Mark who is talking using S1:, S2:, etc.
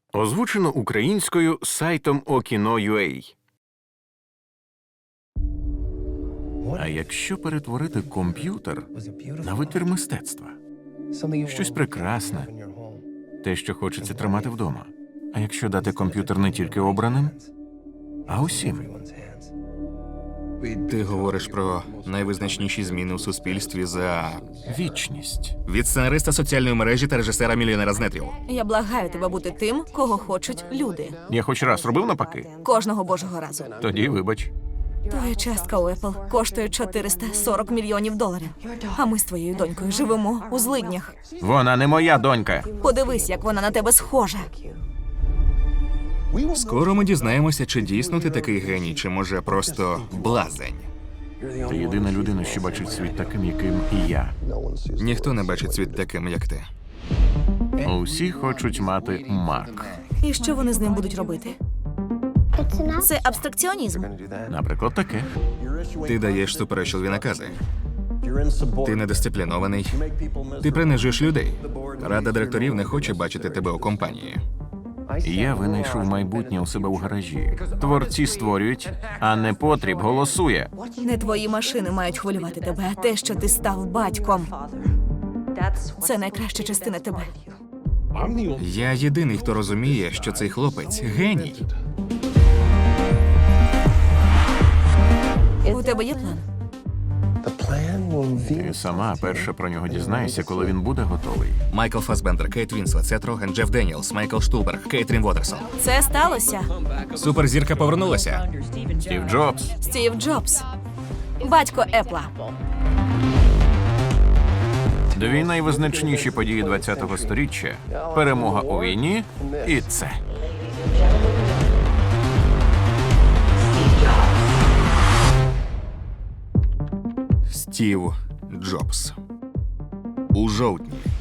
S1: Озвучено українською сайтом Okino.ua. А якщо перетворити комп'ютер на витвір мистецтва? Щось прекрасне, те, що хочеться тримати вдома. А якщо дати комп'ютер не тільки обраним, а усім?
S2: Ти говориш про найвизначніші зміни у суспільстві за
S1: Вічність.
S2: від сценариста соціальної мережі та режисера-мільйонера з нетрів.
S3: Я благаю тебе бути тим, кого хочуть люди.
S1: Я хоч раз робив навпаки?
S3: Кожного божого разу.
S1: Тоді вибач.
S3: Твоя частка у Apple коштує $440 мільйонів. А ми з твоєю донькою живемо у злиднях.
S1: Вона не моя донька.
S3: Подивись, як вона на тебе схожа.
S2: Скоро ми дізнаємося, чи дійсно ти такий геній, чи може просто блазень.
S1: Ти єдина людина, що бачить світ таким, яким і я.
S2: Ніхто не бачить світ таким, як ти.
S1: Усі хочуть мати Мак.
S3: І що вони з ним будуть робити? Це абстракціонізм.
S1: Наприклад, таке.
S2: Ти даєш суперечливі накази. Ти недисциплінований. Ти принижуєш людей. Рада директорів не хоче бачити тебе у компанії.
S1: Я винайшов майбутнє у себе у гаражі. Творці створюють, а непотріб голосує.
S3: Не твої машини мають хвилювати тебе, а те, що ти став батьком. Це найкраща частина тебе.
S2: Я єдиний, хто розуміє, що цей хлопець геній.
S3: У тебе є план?
S1: Ти сама перша про нього дізнаєшся, коли він буде готовий.
S2: Майкл Фасбендер, Кейт Вінслет, Сет Роген, Джеф Деніелс, Майкл Штулберг, Кейтрін Вотерсон.
S3: Це сталося.
S2: Суперзірка повернулася.
S1: Стів Джобс.
S3: Стів Джобс. Батько Епла.
S1: Дві найвизначніші події ХХ століття. Перемога у війні і це.
S2: Стів Джобс. У жовтні